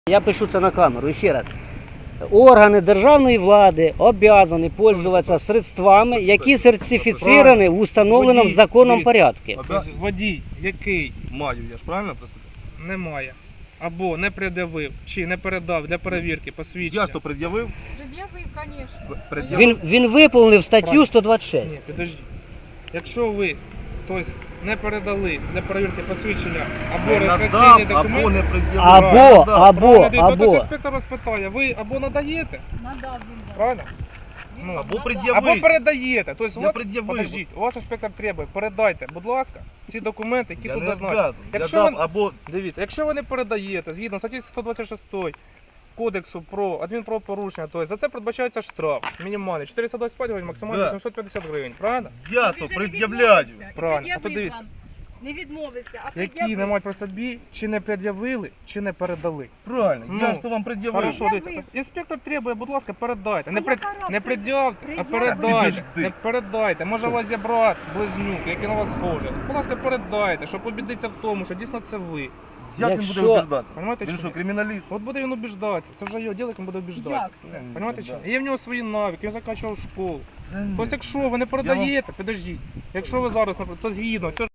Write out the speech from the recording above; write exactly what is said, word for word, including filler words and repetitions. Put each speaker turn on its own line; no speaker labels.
Я пишу це на камеру, ще раз. Органи державної влади обязані пользуватися средствами, які сертифіцовані в установленому
Водій,
законом
дивіться.
порядку.
Тобто водій, який
Маю, я ж правильно просто?
не має або не пред'явив чи не передав для перевірки посвідчення.
Я ж то пред'явив.
Пред'явив, звісно.
Пред'явив.
Він, він виповнив статтю
Правильно.
сто двадцять шість.
Ні, підожди. Якщо ви тобто, не передали для перевірки посвідчення або
Не
реєстраційний
надав, або
документ,
не пред'явив.
Або,
Надав.
або,
правильно, дивіться, от
або.
інспектор розпитає, ви або надаєте,
Надав він.
правильно? Ну,
Або
Надав.
пред'явив.
або передаєте. Тобто, у
Я
вас,
пред'явив.
подождіть, у вас інспектор требує, передайте, будь ласка, ці документи, які
Я
тут
не
зазначені.
обязан. Я
Якщо
дав,
ви-
або
Дивіться, якщо ви не передаєте, згідно статті сто двадцять шість Кодексу про адмінправопорушення, то за це передбачається штраф мінімальний чотириста двадцять п'ять гривень, максимально
Да.
вісімсот п'ятдесят гривень, правильно?
я
Він
то
же не
пред'являю.
відмовився.
Правильно.
І
А то
пред'явив
дивіться.
вам. Не відмовився, а
Які
пред'явив.
не мають при собі, чи не пред'явили, чи не передали.
Правильно,
Ну,
я ж то вам пред'явив.
Хорошо,
Пред'явив.
дивіться. Інспектор требує, будь ласка, передайте. Не,
А
пред...
яка
не пред'явте, а
Пред'явив.
передайте.
Підожди.
Не передайте. Може у вас є брат, близнюк, який на вас схожий. Будь ласка, передайте, щоб убідитися в тому, що дійсно це ви.
Як він
Якщо-
буде убіждатися?
Понимаєте,
Він
чи
що,
ні?
криміналіст?
От буде він убіждатися. Це вже його діло, як він буде убіждатися.
Як?
Понимаєте, чи
Да.
ні? Є в нього свої навики, він закінчував школу.
Це ні.
Тобто, якщо ви не передаєте, підождіть, якщо ви зараз, наприклад, то згідно, цього